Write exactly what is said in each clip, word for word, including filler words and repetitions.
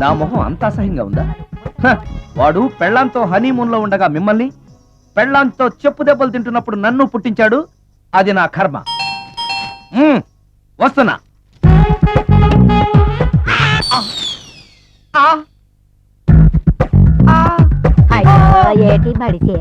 నా మొహం అంత అసహ్యంగా ఉందా? హ, వాడు పెళ్ళాంతో హనీమూన్ లో ఉండగా మిమ్మల్ని, పెళ్ళాంతో చెప్పు దెబ్బలు తింటున్నప్పుడు నన్ను పుట్టించాడు. అది నా కర్మ. మ్మ్, వస్తున్నా. ఏటి బడితే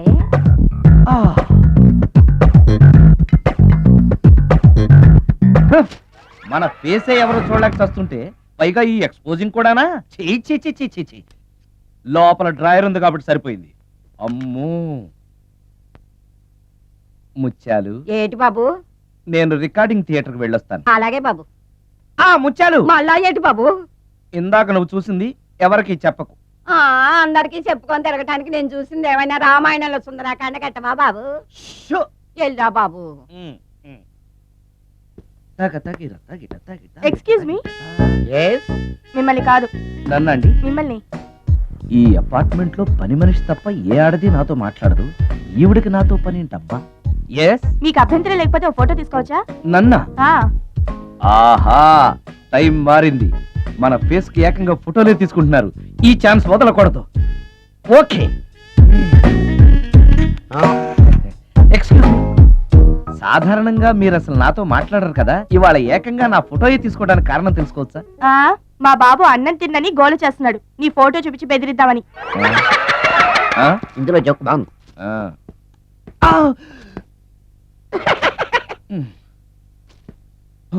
మన ఫేసే ఎవరో చూడలేక వస్తుంటే పైగా ఈ ఎక్స్పోజింగ్ కూడానా? చీ చీ చీ చీ చీ చీ. లోపల డ్రాయర్ ఉంది కాబట్టి సరిపోయింది. అమ్మో ముత్యాలు. ఏటి బాబు? నేను రికార్డింగ్ థియేటర్కి వెళ్ళొస్తాను. అలాగే బాబు. ఆ ముత్యాలు, మళ్ళా ఏటి బాబు? ఇందాక నువ్వు చూసింది ఎవరికి చెప్పకు. ఆ అందరికి చెప్పుకొని తిరగటానికి నేను చూసింది ఏమైనా రామాయణంలో సుందరాకాండ కట్టవా బాబు? షో. ఎల్లా బాబు. ఉమ్, ఉమ్. తగ తగిర తగిట తగిట. Excuse me. Yes? మిమ్మల్ని కాదు, నన్నండి. మిమ్మల్ని. ఈ అపార్ట్మెంట్ లో పని మనిషి తప్ప ఏ ఆడది నాతో మాట్లాడదు. ఈవిడికి నాతో పని ఏంటబ్బా? ఎస్. మీకు అభ్యంతరం లేకపోతే ఒక ఫోటో తీసుకోవచ్చా? నన్నా? ఆ, ఆహా, టైం మారింది. మన ఫేస్ కి ఏకంగా ఫోటోలే తీసుకుంటున్నారు. ఈ ఛాన్స్ వదలకూడదు. ఓకే. Excuse me. సాధారణంగా మీరు అసలు నాతో మాట్లాడరు కదా, ఇవాళ ఏకంగా నా ఫోటోయే తీసుకోవడానికి కారణం తెలుసుకోవచ్చా? ఆ, మా బాబు అన్నం తిన్నని గోలు చేస్తున్నాడు, నీ ఫోటో చూపించి బెదిరిద్దామని. ఆ? ఇందులో జోక్ బాగుంది. ఆ. ఆ! ఉమ్. ఓ.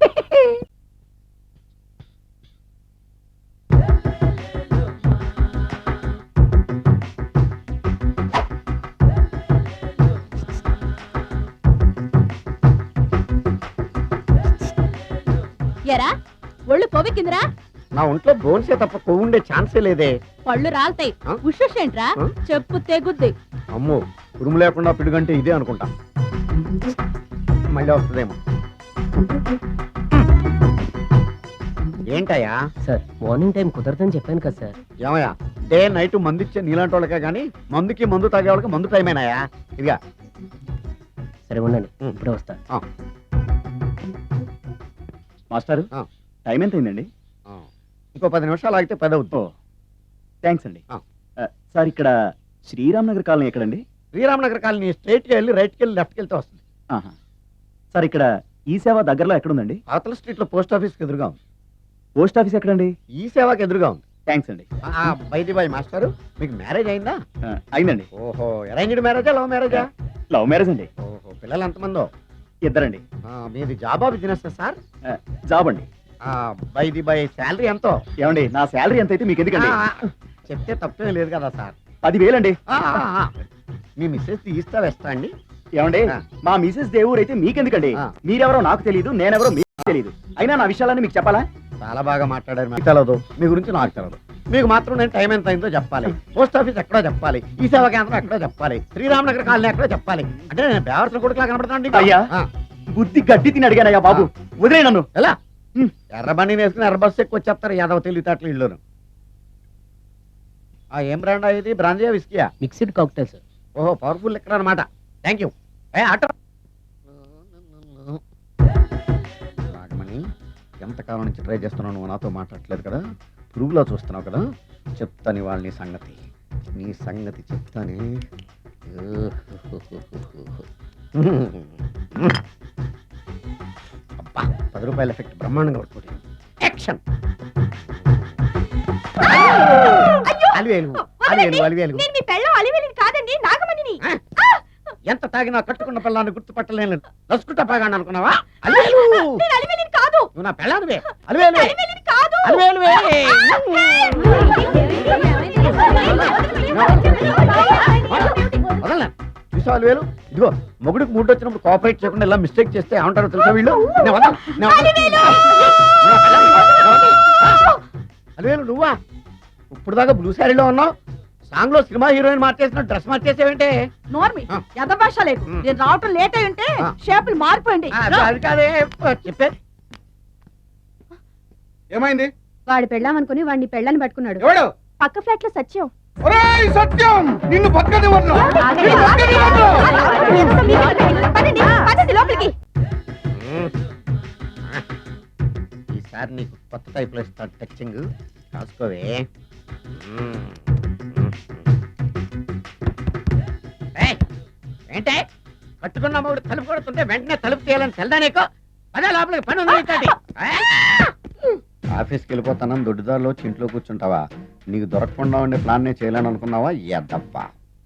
ఎరా ఒళ్ళు కొవ్వెక్కిందిరా? నా ఒంట్లో బోన్సే తప్ప కొవ్వు ఉండే ఛాన్సే లేదే. పళ్ళు రాల్తాయి. ఆ? ఉషేంట్రా? ఆ? చెప్పు తెగుద్ది. అమ్మో, ఉరుము లేకుండా పిడుగంటే ఇదే అనుకుంటా. మళ్ళీ వస్తుందేమో. ఏంటయ్యా? సార్ మార్నింగ్ టైం కుదరదని చెప్పాను కదా సార్. ఏమయ్యా, డే నైట్ మందు ఇచ్చే నీలాంటి వాళ్ళకే కానీ మందుకి మందు తాగే వాళ్ళకి మందు టైం అయినాయా? ఇదిగా. సరే ఉండండి, ఇప్పుడే వస్తా. మాస్టారు, ఆ. టైం ఎంత అయిందండి? ఇంకో పది నిమిషాలు ఆగితే పది అవుతుంది. థ్యాంక్స్ అండి. ఆ. ఆ, సార్ ఇక్కడ శ్రీరామ్ నగర్ కాలనీ ఎక్కడండి? శ్రీరామనగర్ కాలనీ స్ట్రైట్కి వెళ్ళి రైట్కి వెళ్ళి లెఫ్ట్కి వెళ్తే వస్తుంది. ఆహా. సార్ ఇక్కడ ఈ సేవ దగ్గరలో ఎక్కడుందండి? అవతల స్ట్రీట్లో పోస్ట్ ఆఫీస్కి ఎదురుగా ఉంది. పోస్ట్ ఆఫీస్ ఎక్కడండి? ఈ సేవకి ఎదురుగా ఉంది. థ్యాంక్స్ అండి. బైది బాయ్ మాస్టారు, మీకు మ్యారేజ్ అయిందా? ఆ, అయిందండి. ఓహో, అరేంజ్డ్ మ్యారేజా లవ్ మ్యారేజా? లవ్ మ్యారేజ్ అండి. ఓహో, పిల్లలు ఎంతమందో? ఇద్దరండి. ఆ, మీది జాబా బిజినెస్ సార్? ఆ, జాబ్ అండి. బైది బై శాలరీ ఎంతో? ఏమండి, నా శాలరీ ఎంత అయితే మీకు ఎందుకండి? ఆ, చెప్తే తప్పేం లేదు కదా సార్. పదివేలండి. ఆ, ఆ, ఆ. మీ మిస్సెస్ తీస్తా వేస్తా అండి. ఏమండి, ఆ. మా మిసెస్ దేవుడు అయితే మీకెందుకండి? ఆ. మీరెవరో నాకు తెలియదు, నేనెవరో మీకు తెలియదు. అయినా నా విషయాలన్నీ మీకు చెప్పాలా? చాలా బాగా మాట్లాడారు. మీకు తెలదు, మీ గురించి నాకు తెలదు. మీకు మాత్రం నేను టైం ఎంత అయిందో చెప్పాలి, పోస్ట్ ఆఫీస్ ఎక్కడో చెప్పాలి, ఈ సేవా కేంద్రం ఎక్కడో చెప్పాలి, శ్రీరామనగర్ కాలనీ ఎక్కడో చెప్పాలి. అంటే నేను బేవర్సన కొడుకులా కనబడతాను. అయ్యా, బుద్ధి గడ్డి తిని అడిగానయ్యా బాబు, వదిలే నన్ను. ఎలా? ఎర్ర బండి వేసుకుని ఎర్ర బస్సు ఎక్కువ వచ్చేస్తారు యాదవ తెలివితేటలు ఇల్లును. ఆ ఏం బ్రాండ్ ఇది? బ్రాంజియా విస్కియా? Mixed cocktail sir. ఓహో, పవర్ఫుల్ లెక్కర్ అనమాట. Thank you. ఏ ఆటో నాగమణి, ఎంతకాలం నుంచి ట్రై చేస్తున్నావు, నువ్వు నాతో మాట్లాడట్లేదు కదా, పురుగులో చూస్తున్నావు కదా, చెప్తాను వాళ్ళ నీ సంగతి. నీ సంగతి చెప్తానే. అబ్బా, పది రూపాయల ఎఫెక్ట్ బ్రహ్మాండంగా పడుతుంది. యాక్షన్. అలివేలు అలివేలు అలివేలు. నేను మీ పెళ్ళం అలివేలిని కాదండి, నాగమణిని. ఎంత తాగినా కట్టుకున్న పిల్లాన్ని గుర్తుపట్టలేను. నసుకుంటా పాగాను అనుకున్నావా? అలివేలు. నేను అలివేలిని కాదు. నువ్వు నా పిల్లానివే. అలివేలు అలివేలిని కాదు. అలివేలువే. వదలనా? చూసావా అలివేలు? ఇదిగో, మొగుడికి మూడు వచ్చినప్పుడు కోఆపరేట్ చేయకుండా ఇలా మిస్టేక్ చేస్తే ఏమంటారో తెలుసా వీళ్ళు? నేను వదలను, నేను వదలను. నువ్వు నా పిల్లానివి. నేను వదలను. అలివేలు నువ్వా? ఇప్పుడు దాకా బ్లూ శారీలో ఉన్నావు, సాంగ్ లో సినిమా హీరోయిన్ మార్చేసిన డ్రెస్ మార్చేసేవంటే? నోర్మి ఎద భాష లేదు. నేను రావటం లేట్ అయి ఉంటే షేపులు మారిపోయింది. అది కాదే చెప్పేది. ఏమైంది? వాడి పెళ్ళాం అనుకుని వాడిని పెళ్ళని పట్టుకున్నాడు. ఎవడు? పక్క ఫ్లాట్ లో సత్యం. ఒరేయ్ సత్యం, నిన్ను పక్కనే వదలను. ఆగండి, ఆగండి. పదండి, పదండి లోపలికి. ఈ ఈసారి నీకు కొత్త టైప్లో ఇస్తాను టచింగ్. రాసుకోవే. ఏయ్, ఏంటే కట్టుకున్న మూడు తలుపు కొడుతుంటే వెంటనే తలుపు తీయాలని తెల్దా నీకు? అదే లోపలికి పని ఉంది నీతోటి. ఆఫీస్కి వెళ్ళిపోతానని దొడ్డిదారిలో ఇంట్లో కూర్చుంటావా? నీకు దొరకకుండా ఉండే ప్లాన్ నేను చేయాలని అనుకున్నావా? ఎద్దప్పా.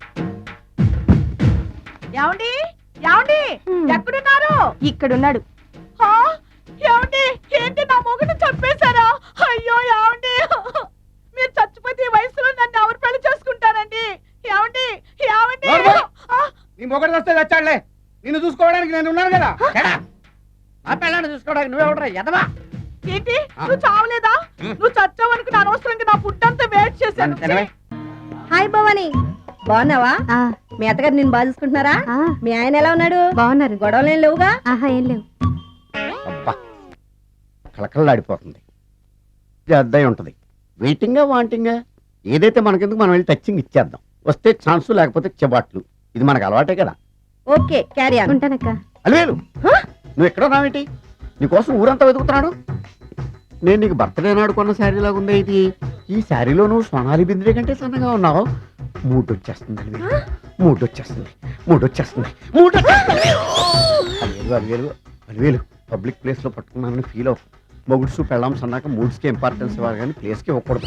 ఏమండి ఏమండి ఎక్కడున్నారు? ఇక్కడున్నాడు. హా? ఏమండి ఏంటి నా మొగుడు చంపేశారా? అయ్యో ఏమండి, మీరు చచ్చిపోతే ఈ వయసులో నన్ను ఎవరు పెళ్లి చేసుకుంటారండి? ఏమండి ఏమండి? ఆ, నీ మొగడు వస్తే వచ్చాడులే. నిన్ను చూసుకోవడానికి నేను ఉన్నాను కదా. ఆ పిల్లని చూసుకోవడానికి నువ్వెవడరా ఎదవా? ఏంటి నువ్వు చావలేదా? నువ్వు చచ్చావనుకుని అనవసరంగా నా ఫుడ్ అంతా వేస్ట్ చేశాను. హాయ్ భవాని, బాగున్నావా? మీ అత్తగారు నేను బాగా చూసుకుంటున్నారా? మీ ఆయన ఎలా ఉన్నాడు? బాగున్నారు. గొడవలు ఏం లేవుగా? ఆహా, ఏం లేవు. అబ్బా, కళకళలాడిపోతుంది. ఇది అద్దయి ఉంటది. వెయిటింగా వాంటింగా ఏదైతే మనకెందుకు, మనం వెళ్ళి టచింగ్ ఇచ్చేద్దాం. వస్తే ఛాన్స్, లేకపోతే చెబాట్లు. ఇది మనకు అలవాటే కదా. Okay, carry on. ఉంటానక్క. అలివేలు, నువ్వు ఎక్కడ ఉన్నావేంటి? నీకోసం ఊరంతా వెతుకుతున్నాడు. నేను నీకు బర్త్డే నాడు కొన్న శారీ లాగా ఉందే ఇది. ఈ శారీలో నువ్వు సోనాలి బింద్రే కంటే సన్నగా ఉన్నావు. మూడు వచ్చేస్తుంది అలివేలు, మూడు వచ్చేస్తుంది, మూడు వచ్చేస్తుంది, మూడు అలివేలు అలివేలు అలివేలు పబ్లిక్ ప్లేస్ లో పట్టుకున్నానని ఫీల్ అవ్వ. మొగుడ్సు పెళ్ళాం సన్నాక మూడ్స్కి ఇంపార్టెన్స్ ఇవ్వాలి కానీ ప్లేస్కి ఇవ్వకూడదు.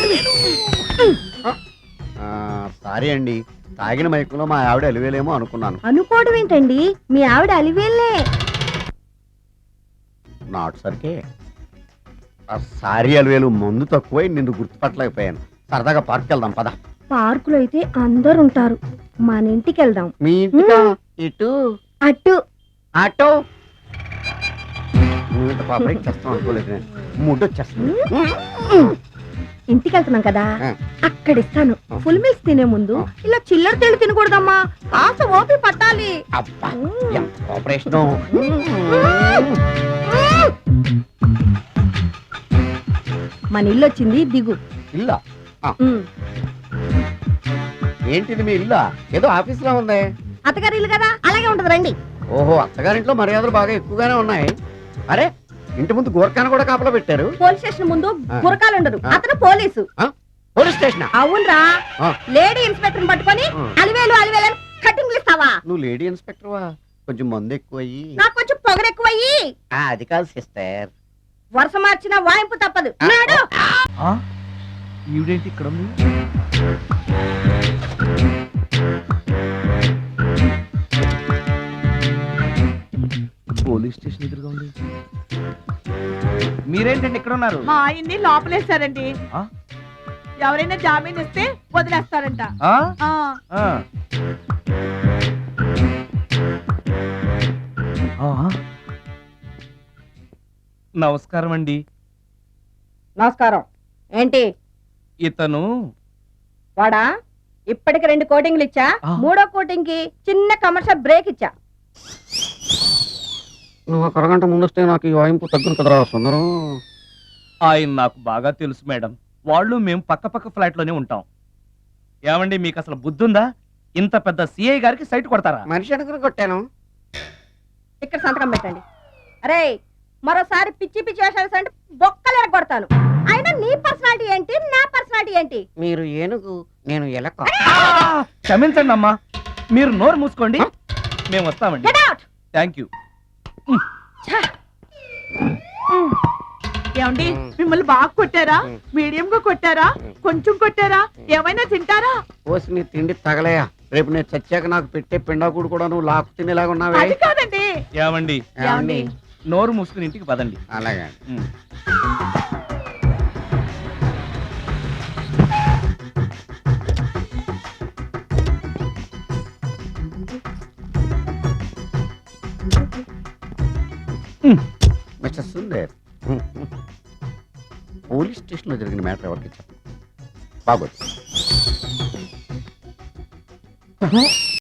సారీ అండి, తాగిన మైకులో మా ఆవిడ అలివేలేమో అనుకున్నాను. అనుకోవడం ఏంటండి, మీ ఆవిడ అలివేలే. నాటు సరికే. సారీ అలివేలు, మందు తక్కువై నిన్ను గుర్తుపట్టలేకపోయాను. సరదాగా పార్క్ వెళ్దాం పద. పార్కులో అయితే అందరు ఉంటారు, మన ఇంటికి వెళ్దాం. మీ ఇంటికా? ఇటు అటు ఆటో. నువ్వు ఇంత పాపరేట్ చేస్తావు అనుకోలేదు నేను. మూడు వచ్చేస్తుంది. ఇంటికి వెళ్తున్నాం కదా, ఆ. అక్కడ ఇస్తాను. ఫుల్ మీల్స్ తినే ముందు ఇలా చిల్లర తెళ్ళు తినకూడదమ్మా, కాస్త ఓపి పట్టాలి. అబ్బా, ఎంత కోఆపరేషన్. మన ఇల్లు వచ్చింది, దిగు. ఇల్లా? ఉమ్. ఏంటిది మీ ఇల్లా? ఏదో ఆఫీస్ లో ఉంది. అత్తగారి ఇల్లు కదా, అలాగే ఉంటది, రండి. ఓహో, అత్తగారింట్లో మర్యాదలు బాగా ఎక్కువగానే ఉన్నాయి. అరే, ఇంటి ముందు గోర్ఖాను కూడా కాపలా పెట్టారు. పోలీస్ స్టేషన్ ముందు ఆ. గురకాలు ఉండరు, ఆ. అతను పోలీసు. Police station? అవునరా, ఆ. లేడీ ఇన్స్పెక్టర్ పట్టుకొని ఆ. అలివేలు అలివేలు అని కటింగ్లు ఇస్తావా? నువ్వు లేడీ ఇన్స్పెక్టర్ వా? కొంచెం మందు ఎక్కువయ్యి. నాకు కొంచెం పొగరెక్కువయ్యి. ఆ, అది కాదు సిస్టర్. వరుస మార్చిన వాయింపు తప్పదు. నాడు ఈవిడేంటి ఇక్కడ ఉంది? పోలీస్ స్టేషన్ ఎదురుగా ఉంది. మీరేంటండి ఇక్కడ ఉన్నారు? మా ఆయన్ని లోపలేశారండి. ఆ? ఎవరైనా జామీన్ ఇస్తే వదిలేస్తారంట. ఆ? ఆ, ఆ. ఆ? నమస్కారం అండి. నమస్కారం. ఏంటి ఇతను వాడా? ఇప్పటికి రెండు కోటింగ్లు ఇచ్చా, ఆ. మూడో కోటింగ్ కి చిన్న కమర్షియల్ బ్రేక్ ఇచ్చా. నువ్వు ఒక అరగంట ముందు వస్తే నాకు ఈ వాయింపు తగ్గును కదరా సుందరం. ఆయన నాకు బాగా తెలుసు మేడం. వాళ్ళు మేము పక్క పక్క ఫ్లాట్ లోనే ఉంటాం. ఏమండి, మీకు అసలు బుద్ధి ఉందా? ఇంత పెద్ద సిఐ గారికి సైట్ కొడతారా? మనిషి అనుకుని కొట్టాను. ఇక్కడ సంతకం పెట్టండి. అరే, మరోసారి పిచ్చి పిచ్చి వేషాలు అంటే బొక్కలు కొడతాను. అయినా నీ పర్సనాలిటీ ఏంటి, నా పర్సనాలిటీ ఏంటి? మీరు ఏనుగు, నేను ఎలక. ఆ! క్షమించండి అమ్మా, మీరు నోరు మూసుకోండి, మేము వస్తామండి. Get out! Thank you. ఏమండి మిమ్మల్ని బాగా కొట్టారా? మీడియం గా కొట్టారా? కొంచెం కొట్టారా? ఏమైనా తింటారా? పోసి నీ తిండి తగలయా. రేపు నేను చచ్చాక నాకు పెట్టే పిండాకుడు కూడా నువ్వు లాక్కు తినేలాగా ఉన్నావే. అది కాదండి. ఏమండి, ఏమండి? నోరు మూసుకుని ఇంటికి పదండి. అలాగే. ఉమ్. మిస్టర్ సుందర్, పోలీస్ స్టేషన్ లో జరిగిన మ్యాటర్ ఎవరికి చెప్పండి. బాగోదు.